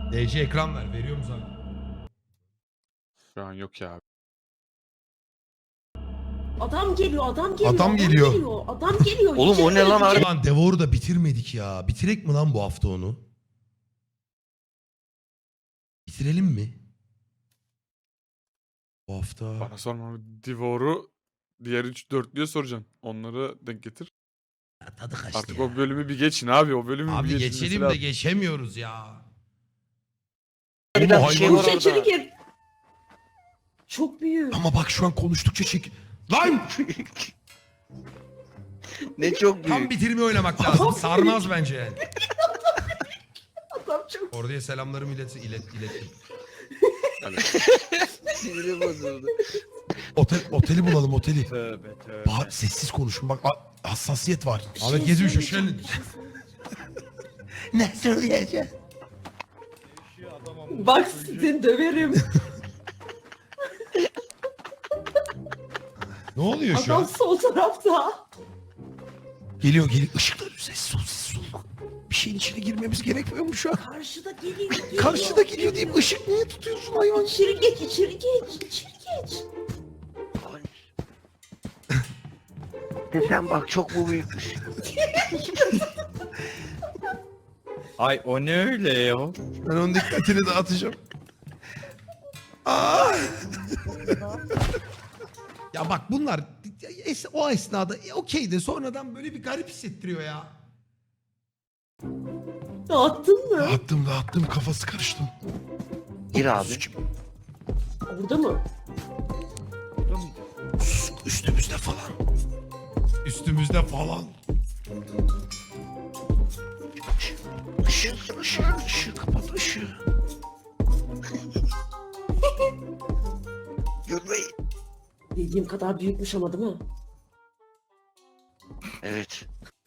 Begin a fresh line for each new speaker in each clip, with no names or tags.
DC ekran ver. Veriyor musun abi?
Şu an yok ya.
Adam geliyor, adam geliyor.
Adam geliyor.
Adam geliyor.
Oğlum o ne lan abi?
Lan Devour'u da bitirmedik ya. Bitirek mi lan bu hafta onu? Bitirelim mi? Bu hafta.
Bana sorma. Devour'u diğer 3-4'lüye soracaksın. Onları denk getir.
Ya tadı kaçtı
Artık
ya.
o bölümü bir geçin abi. O bölümü
Abi
bir geçin.
geçelim de geçemiyoruz ya.
Bir
Oğlum
dakika, şey
hayvan-
var
İçeri
orada.
gir. Çok büyük.
Ama bak şu an konuştukça çek. Lan!
Ne çok
Tam
büyük.
bitirme oynamak lazım. Sarmaz bence yani.
Adam çok
Oraya selamlarımı ilettim.
Sinirim bozuldu.
Oteli bulalım oteli.
Tövbe tövbe.
Bahar sessiz konuşun bak hassasiyet var.
Bir şey
Ahmet gezmiş hoş
söyleyeceğim,
geldin.
bir şey söyleyeceğim.
Ne söyleyeceğim?
Bak seni döverim.
Ne oluyor şu
Adam
an?
sol tarafta.
Geliyor. Işıklar sessiz ol. Bir şeyin içine girmemiz gerekmiyor mu şu an?
Karşıda geliyor.
Karşıda geliyor deyip ışık niye tutuyorsun hayvan?
İçeri geç, içeri geç.
Sen bak çok bu büyükmüş.
Ay o ne öyle ya?
Ben onun dikkatini dağıtacağım. Aa! Ya bak bunlar o esnada okey de sonradan böyle bir garip hissettiriyor ya.
Dağıttın mı?
Dağıttım kafası karıştı.
Gir abi.
Orada mı?
Üstümüzde falan. Işığı kapat ışığı.
Gülmeyin.
Dediğim kadar büyükmüş ama değil mi?
Evet.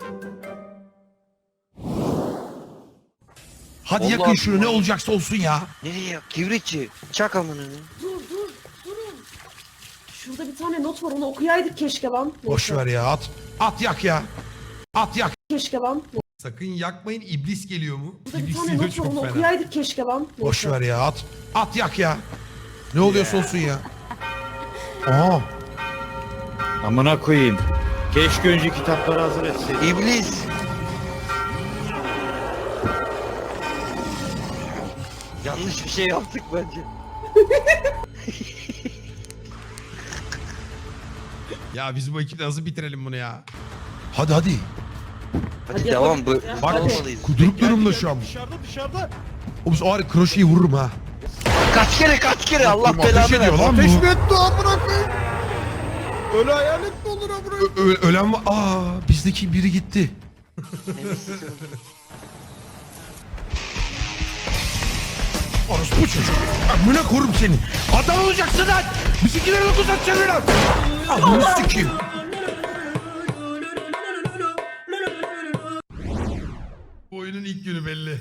Hadi
Allah
yakın şunu ne
Allah.
olacaksa olsun ya.
Nereye? Kibritçi. Çak amına.
Durun. Şurada bir tane not var, onu okuyaydık keşke lan.
Boş ver ya at yak ya. At yak.
Keşke lan.
Sakın yakmayın iblis geliyor mu?
Burada bir
İblis
tane
geliyor
not var,
çok
onu
fena.
okuyaydık keşke lan.
Boş ver ya at yak ya. Ne oluyorsa olsun ya. Aa.
Amına koyayım. Keşke önce kitapları hazır etseydin.
İblis. Yanlış bir şey yaptık bence.
Ya biz bu ekiple nasıl bitirelim bunu ya? Hadi.
Hadi
Hadi
devam.
yapalım.
Bak
Yapmalıyız.
kuduruk durumda şu an.
Dışarıda.
O ağrı kroşeyi vururum ha.
Kaç kere Allah
Ateş
belanı
ediyor
versin.
lan
Ateş
bu.
mi etti amına koyayım? Öyle hayalet mi olur amına?
Ölen var. Bizdeki biri gitti. Orospu çocuk. Amına korum seni. Adam olacaksın lan. Bizimkileri 9 atacaksın lan. Amına sikeyim. Bu oyunun ilk günü belli.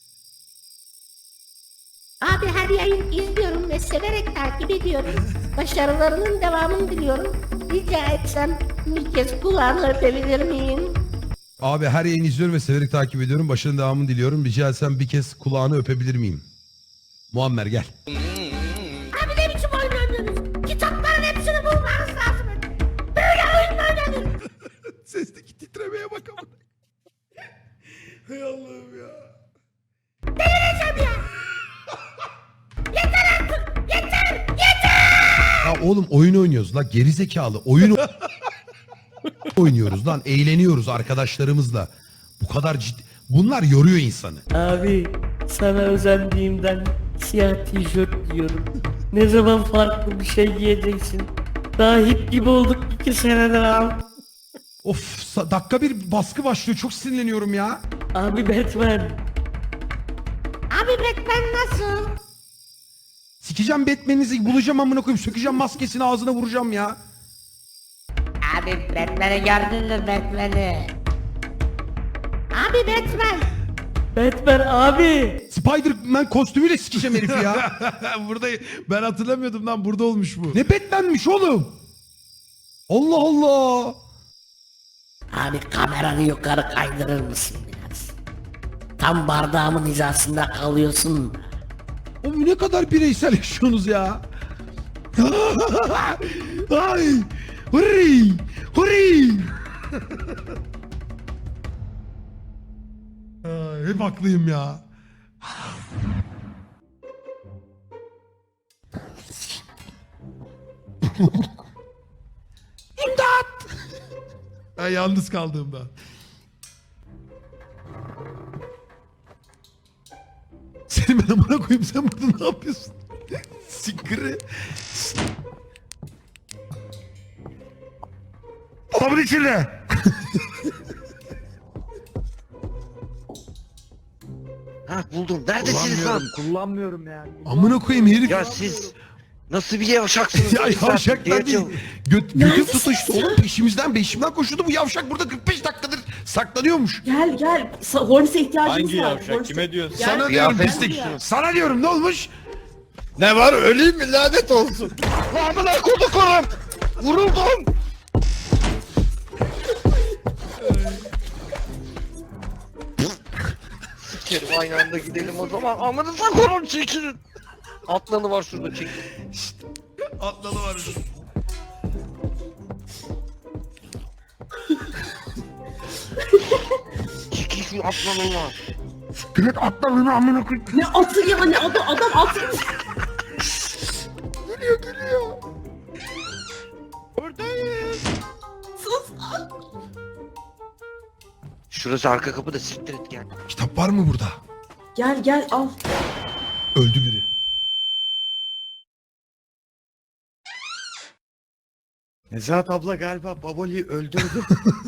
Abi her yayın izliyorum ve severek takip ediyorum. Başarılarının devamını diliyorum. Rica etsem bir kez kulağını öpebilir miyim?
Abi her yayını izliyorum ve severek takip ediyorum. Başarının devamını diliyorum. Rica etsem bir kez kulağını öpebilir miyim? Muammer gel.
Abi ne biçim oyun oynuyorsunuz? Kitapların hepsini bulmanız lazım. Böyle oyun mu oynanır?
Sesteki titremeye bak ama. Hay Allah'ım ya.
Delireceğim ya. Yeter artık. Yeter.
Ya oğlum oyun oynuyoruz la gerizekalı. Oyun oynuyoruz lan. Eğleniyoruz arkadaşlarımızla. Bu kadar ciddi. Bunlar yoruyor insanı.
Abi sana özendiğimden siyah tişört giyiyorum. Ne zaman farklı bir şey giyeceksin? Daha hip gibi olduk 2 senedir abi.
Of dakika bir baskı başlıyor. Çok sinirleniyorum ya.
Abi Batman.
Abi Batman nasıl?
Sikeceğim Batman'inizi bulacağım amına koyayım. Sökeceğim maskesini ağzına vuracağım ya.
Abi Batman'i gördün mü Batman'i? Abi Batman.
Batman abi.
Spider-Man kostümüyle sikeceğim herifi ya. Burada ben hatırlamıyordum lan burada olmuş bu. Ne Batman'miş oğlum? Allah Allah.
Abi kameranı yukarı kaydırır mısın biraz? Tam bardağımın hizasında kalıyorsun.
Oğlum ne kadar bireysel yaşıyorsunuz ya. Ay. Hurri. Hurri. Ay, hep haklıyım ya. İmdat! Ben yalnız kaldığımda. Seni ben amına koyayım, sen burada ne yapıyorsun? Sikri. Dolabın içinde.
Ha buldum. Neredesiniz lan?
Kullanmıyorum yani.
Amına koyayım herif.
Ya siz nasıl bir yavşaksınız?
Ya
İki saattir
yavşaklar değil.
diyeceğim.
Götüm
Neredesin
tutuştu
sen?
oğlum, peşimden koşuyordu. Bu yavşak burada 45 dakikadır saklanıyormuş.
Gel. Hornis'e ihtiyacımız
Hangi
var.
yavşak?
Hornis'e-
Kime diyorsun?
Gel.
Sana diyorum
Kıyafet
pislik.
mi?
Sana diyorum, ne olmuş?
Ne var, öleyim mi, lanet olsun.
Amına kodukum! Vuruldum! Sikerim aynı anda gidelim o zaman. Amanıza korum çekilin. Atlanı var şurada çekil.
Atladı var.
Çekil şu atlanı var.
Direkt atladığını amına koyayım.
Ne atı ya, ne adam atı.
Geliyor.
Sus.
Şurası arka kapı da siktir et gel.
Kitap var mı burada?
Gel al.
Öldü biri.
Nezahat abla galiba Baboli'yi öldürdü.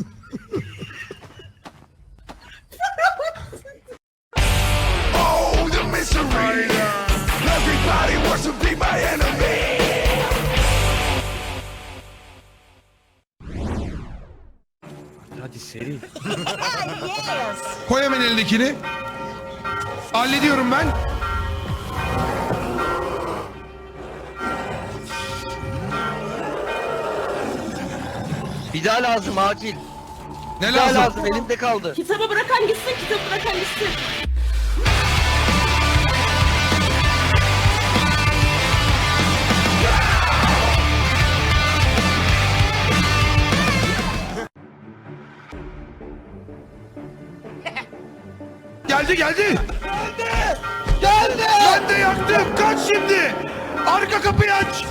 Hadi seri.
Koy hemen elindekini. Hallediyorum ben.
Bir daha lazım acil.
Ne
Bir daha
lazım?
lazım elimde kaldı.
Kitabı bırakan gitsin.
Geldi. Geldi. Ben de yaktım. Kaç şimdi. Arka kapıyı aç.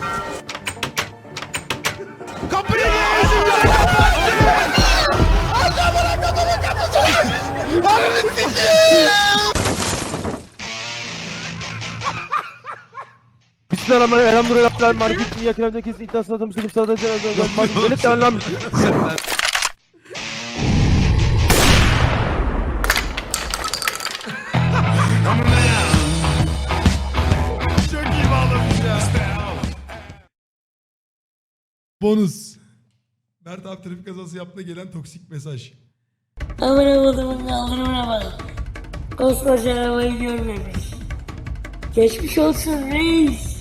Kapıyı niye yüzümden kapattın? Çok iyi bağlamış ya. Bonus. Mert abi trafik kazası yaptığına gelen toksik mesaj.
Amına kodumun kaldırımına bak. Koskoca arabayı görmemiş. Geçmiş olsun reis.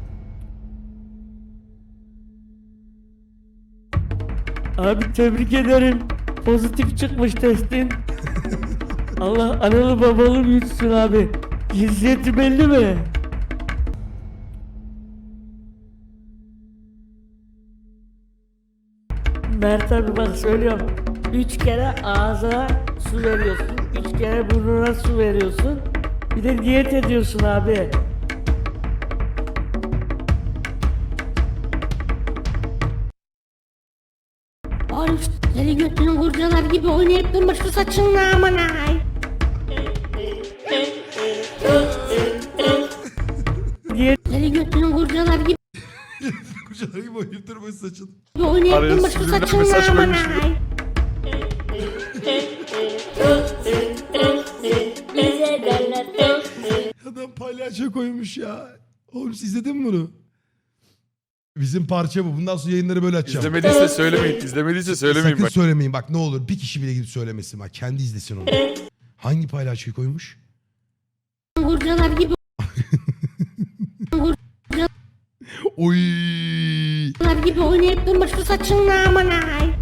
Abi tebrik ederim. Pozitif çıkmış testin. Allah analı babalı büyütsün abi. Cinsiyeti belli mi? Mert abi bak söylüyorum. 3 kere ağzına su veriyorsun. 3 kere burnuna su veriyorsun. Bir de diyet ediyorsun abi.
Oğlum deli götünü kurcalar gibi oynayıp durma şu saçınla aman ay.
Diyet
Deli götünü kurcalar gibi
Kucalar gibi oynayıp durmayın saçın.
oynayıp
Araya
durma şu
subliminal
saçınla
mesaj
aman
koymuş biri.
ay.
Adam palyaço koymuş ya. Oğlum siz izledin mi bunu? Bizim parça bu. Bundan sonra yayınları böyle açacağım.
İzlemediyse söylemeyin. İzlemediyse söylemeyin
Sakın
bak.
söylemeyin bak, ne olur. Bir kişi bile gidip söylemesin bak. Kendi izlesin onu. Hangi palyaçoyu koymuş?
Kurcalar gibi
Oy.
gibi oynayıp durma şu saçınla aman ay.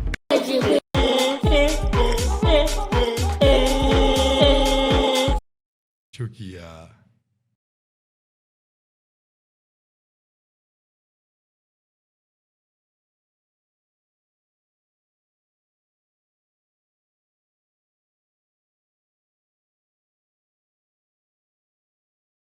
Çok iyi ya.